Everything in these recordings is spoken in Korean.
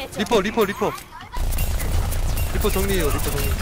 리퍼 정리해요. 리퍼 정리.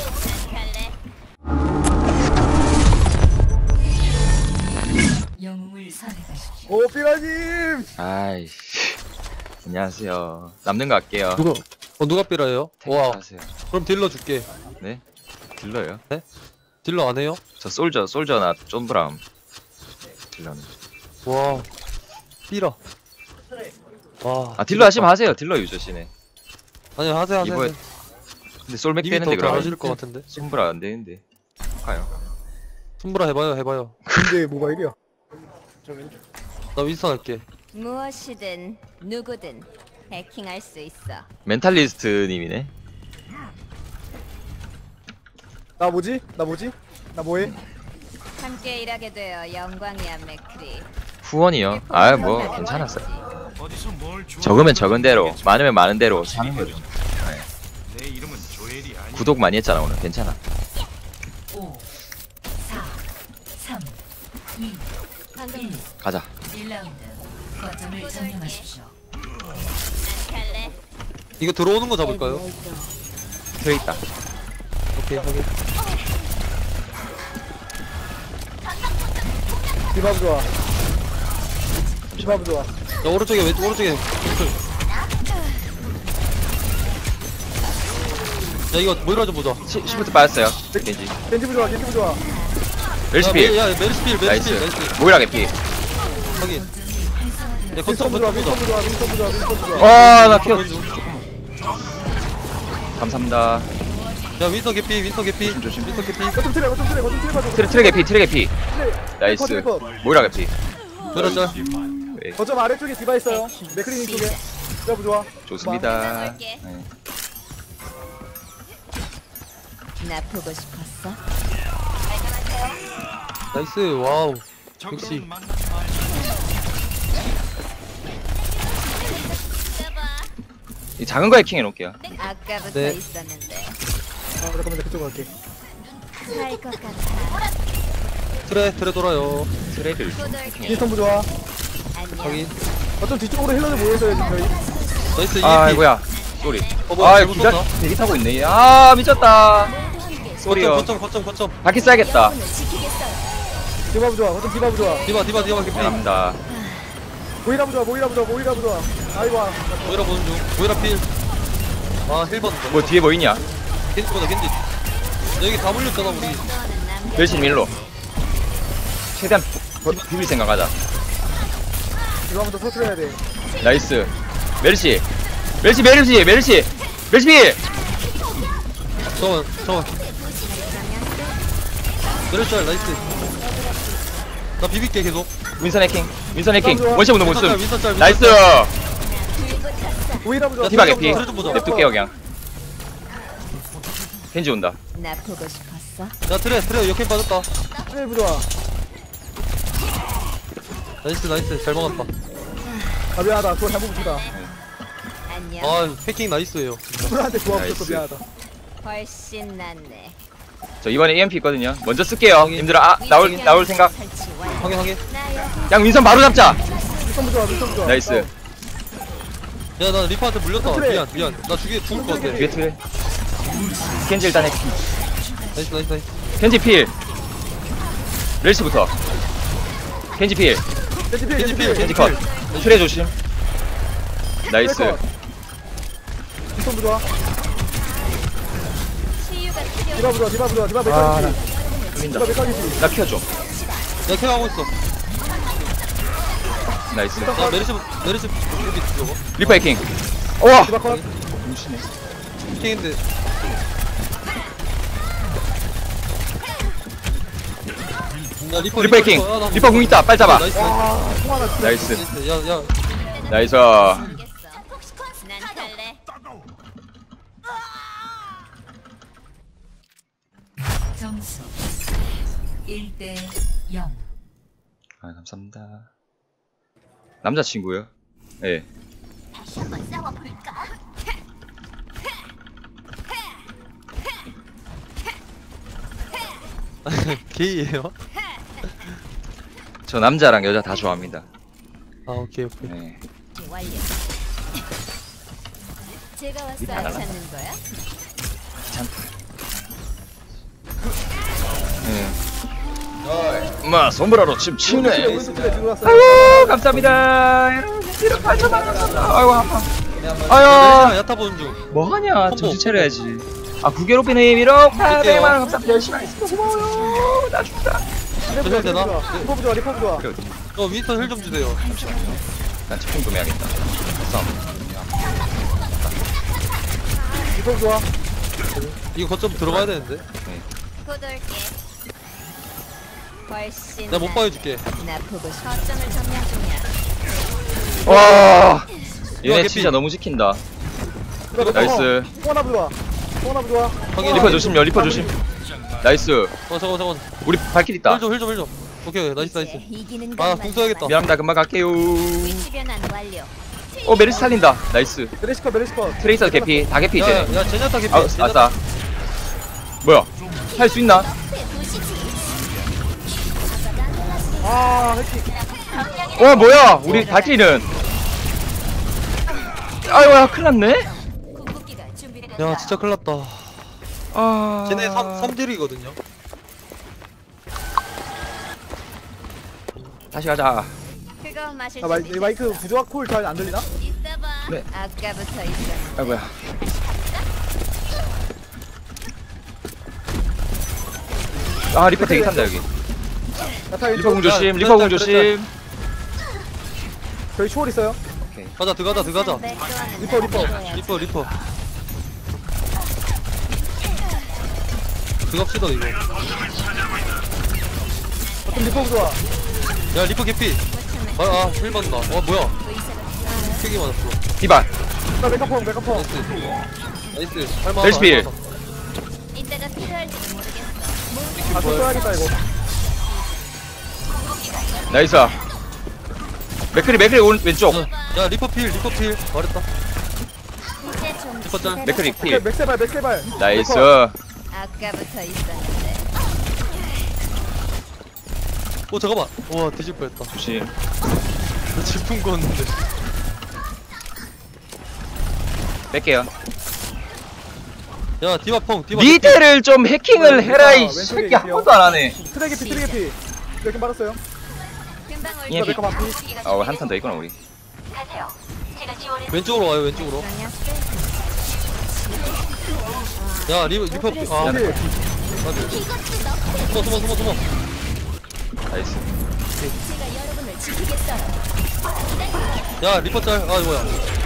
영웅을 선택하십시오. 오 삐라님. 아이씨. 안녕하세요. 남는 거 할게요. 누가 삐라예요? 와, 하세요. 그럼 딜러 줄게. 네? 딜러요? 딜러 안 해요? 저 솔저나 쫀브람. 딜러는. 와, 삐라. 와, 아 딜러 하시면 하세요. 딜러 유저시네. 아니 하세요. 이번에 근데 솔맥 님이 빼는데 더 그러면 잘하실 것 같은데. 손브라 안 되는데. 가요. 손브라 해봐요. 근데 뭐가 이래요? 나 윈스턴 할게. 무엇이든 누구든 해킹할 수 있어. 멘탈리스트 님이네. 나 뭐지? 나 뭐해? 함께 일하게 되어 영광이야, 맥크리. 후원이요? 아 뭐 괜찮았어요. 적으면 적은 대로, 많으면 많은 대로 사는 거죠. 네. 구독 많이 했잖아 오늘. 괜찮아. 5, 4, 3, 2, 방금 1. 가자. 1라운드. 거점을 점령하십시오. 갈래? 이거 들어오는 거 잡을까요? 서 있다. 오케이, 확인. 디바브 좋아. 디바브 좋아. 야, 오른쪽에 오른쪽에. 야, 이거 모이라 좀 보자. 시프트 빠졌어요. 겐지. 겐지브 좋아. 멜시필. 야, 메르스필. 나이스. 모이라 개피. 확인. 야, 거점 윈스턴 좋아. 보자. 윈스턴 좋아. 와나 키워. 감사합니다. 야, 윈스턴 개피. 조심. 윈스턴 개피. 거점 트레 봐줘. 트레 개피. 나이스. 모이라 개피. 그래, 짤. 네, 거점 아래쪽에 디바 있어요. 맥크리님 쪽에. 디바브 좋아. 좋습니다. 볼게. 네. 나 보고 싶었어. 나이스, 와우. 역시. 이 작은 거 해킹 해놓을게요. 아까부터 네. 있었는데 잠깐만 나 그쪽 갈게. 살 것 같아. 트레 돌아요. 트레를. 꼬돌게. 윈스턴 좋아. 안녕. 확인. 거점 뒤쪽으로 힐러들 모여있어요 지금 저희. 나이스, 아이고야. 쏘리. 뭐야, 아 잘못 기가 썼나? 대기 타고 있네. 아 미쳤다. 쏘리요. 거점. 바퀴 쏴야겠다. 지키겠어요. 디바브 좋아. 거점 디바브 좋아. 디바 개피. 감사합니다. 모이라브 좋아. 아이고. 모이라 보는 중. 모이라 필. 아, 힐번. 뭐 뒤에 뭐 있냐? 겐지보다 겐지. 여기 다 물렸잖아, 우리. 너는 남겨. 멸신 밀로. 최대한 비빌 생각하자. 이거 한번 더 터트려야 돼. 나이스. 메르시 필. 잠깐만. 내려짤, 나이스. 나 비빌게, 계속. 윈선 해킹. 원샷 운동 못 윈선 씀. 짤, 윈선 짤. 나이스. 모이라브 좋아. 디바 좀 개피. 그래 좀 보자. 냅둘게요 그냥. 겐지 온다. 나 보고 싶었어. 야, 트레, 역행 빠졌다. 트레이브 좋아. 나이스. 잘 막았다. 아 미안하다. 그거 잘못 붙였다. 안녕. 아, 해킹 나이스예요. 프로한테 조합 나이스. 붙였어. 미안하다. 훨씬 낫네. 저 이번에 EMP 있거든요. 먼저 쓸게요. 님들아 나올 생각. 설치 완료. 확인. 나 여기 양 윈선 바로 잡자. 윈스턴 좋아. 나이스. 야, 나 리파한테 물렸다. 트레. 미안. 나 죽을 것 같아. 뒤에 트레. 겐지 일단 해킹. 나이스. 겐지 필. 렐시부터. 겐지 필. 겐지 컷. 트레 조심. 나이스. 윈스턴 좋아. 치유가 필요. 디바브 좋아. 디바 아, 메카니지. 풀린다. 디바 메카니지. 나 키워줘. 야, 켜하고 있어. 나이스. 야, 메르시 여기 들어가. 리퍼 해킹. 우와. 디바 컷. 해킹인데. 야, 리퍼 해킹. 야, 나 리퍼 궁 있다. 빨리 잡아. 나이스. 와 통하나 진짜. 나이스. 야. 나이스. 알겠어. 난 갈래. 점수 1대 0. 아 감사합니다. 남자친구요? 예. 다시 한번 싸워볼까? 게이예요? 저 남자랑 여자 다 좋아합니다. 아, 오케이. 네. 완료. 제가 왔어 미안, 안 알았어. 찾는 거야? 엄마 손브라로 침 치네. 오른쪽 그래 뒤로 왔어. 아이고 감사합니다. 여러분 이렇게 8,000원 감사합니다. 아이고 아파. 아유 야타 보는 중. 뭐하냐 콤보. 정신 차려야지. 아 구개로피님 1억 800만 원 감사합니다. 열심히 하겠습니다. 고마워요. 나 죽다. 저 힐 되나? 리퍼 좋아 리퍼 좋아. 그래, 윈스턴 힐 좀 주세요. 난 치킨 구매하겠다. 됐어. 리퍼 좋아. 이거 거점 들어가야 되는데. 곧 올게. 훨씬 내가 못 봐줄게. 나 보고 거점을 점령 중이야. 와 얘네 개피. 진짜 너무 지킨다. 들어가, 나이스. 소원아부 좋아. 소원아부 좋아. 확인. 리퍼 조심요. 리퍼 조심. 나이스. 잠깐. 우리 발길 있다. 힐 좀. 오케이 나이스. 이제 이기는 아, 것만 궁 써야겠다. 미안합니다. 금방 갈게요. 위치 변환 완료. 메리스 살린다. 나이스. 메리시컷 메리시컷. 트레이서 개피. 다 개피 이제. 야 제냐타 개피. 아, 아싸. 뭐야? 할 수 있나? 아 해킹. 뭐야? 우리 발길이는. 아이고야, 큰일 났네. 궁극기가 준비됐다. 야 진짜 큰일 났다. 아. 쟤네 3딜이거든요. 다시 가자. 그거 마실 아 수 마이크 부조화 콜 잘 안 들리나? 있어 봐. 네. 아까부터 있어. 아이고야. 아, 리퍼 되게 탄다, 여기. 야타 리퍼 공 왼쪽. 조심, 리퍼 공 조심. 저희 초월 있어요. 가자 들어가자. 리퍼. 리퍼. 들어갑시다 이거. 어떤 리퍼 좋아. 야 리퍼 개피. 힐 받는다. 뭐야? 크게 맞았어. 디바. 나 메카펑. 나이스. 할만하다. 벨스필. 이따가 필요할지도 모르겠어. 아 써야겠다 이거. 나이스. 맥크리 왼쪽. 야 리퍼 필. 말했다. 이제 좀 리퍼 짤. 맥크리 오케이 필. 맥세발. 나이스. 아까부터 있었는데. 잠깐만. 와 뒤질 뻔했다. 조심. 나 질풍 걷는데. 뺄게요. 야 디바펑. 미드를 좀 해킹을 해라, 이 왼쪽에 새끼 있어요. 한 번도 안 하네. 트레게피. 이렇게 받았어요. 금방 올게. EMP. 메카 반피. 한 턴 더 있구나, 우리. 왼쪽으로 와요 왼쪽으로. 야 리퍼 필. 아 오케이. 숨어. 나이스. 제가 여러분을 지키겠어요. 야 리퍼 짤. 뭐야?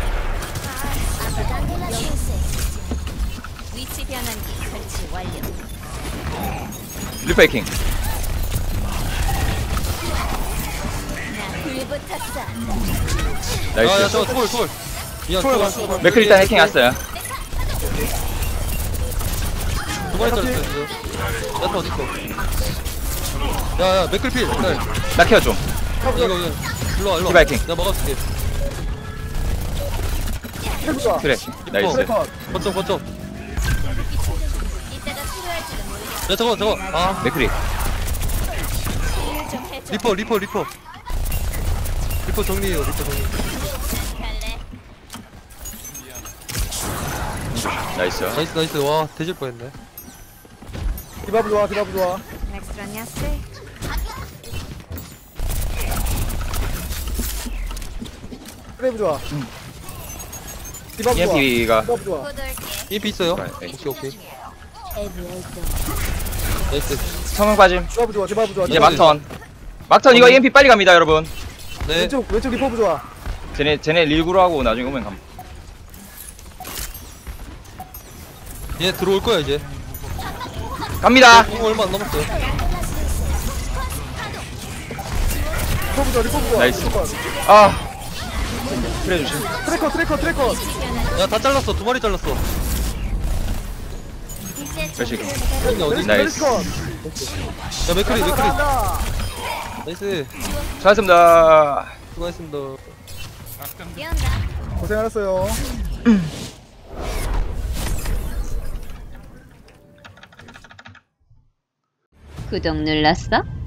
위치 변환기 설치 완료. 리퍼 해킹. 나 불붙었어. 야 나이스. 저거 초월. 미안 초월. 맥크리 일단 해킹 왔어요. 두 마리 잘랐어 지금. 야타 어딨어? 야야 맥클 필. 네. 나 케어 좀. 이거 일로와. 디바 해킹. 내가 막아줄게. 헬 좋아. 그래. 나이스. 메카. 거점. 이따가 필요할지도 모르겠어. 야 저거. 아 맥크리. 좀 해줘. 리퍼. 리퍼 정리해요. 갈래? 나이스. 나이스. 와 뒤질 뻔했네. 디바브 좋아. Next run, yes. 트레이브 좋아. 디바브 좋아. EMP가. 디바브 좋아. 곧 올게. EMP 있어요? 네. 오케이. 에브에이도. 나이스. 성능 빠짐. 디바브 좋아. 이제 막턴. 막턴 이거 EMP 빨리 갑니다, 여러분. 네. 왼쪽 리퍼브 좋아. 쟤네 릴구로 하고 나중에 오면 감. 얘 들어올 거야 이제. 갑니다. 공 얼마 안 남았어요. 리퍼브 좋아. 나이스. 리퍼. 아. 그래 조심. 트래커. 야 다 잘랐어. 두 마리 잘랐어. 이제 좀 그렇지. 근데 어디? 나이스. 야 맥크리. 나이스. 수고하셨습니다. 수고하셨습니다. 뛰어온다. 고생하셨어요. 구독 눌렀어?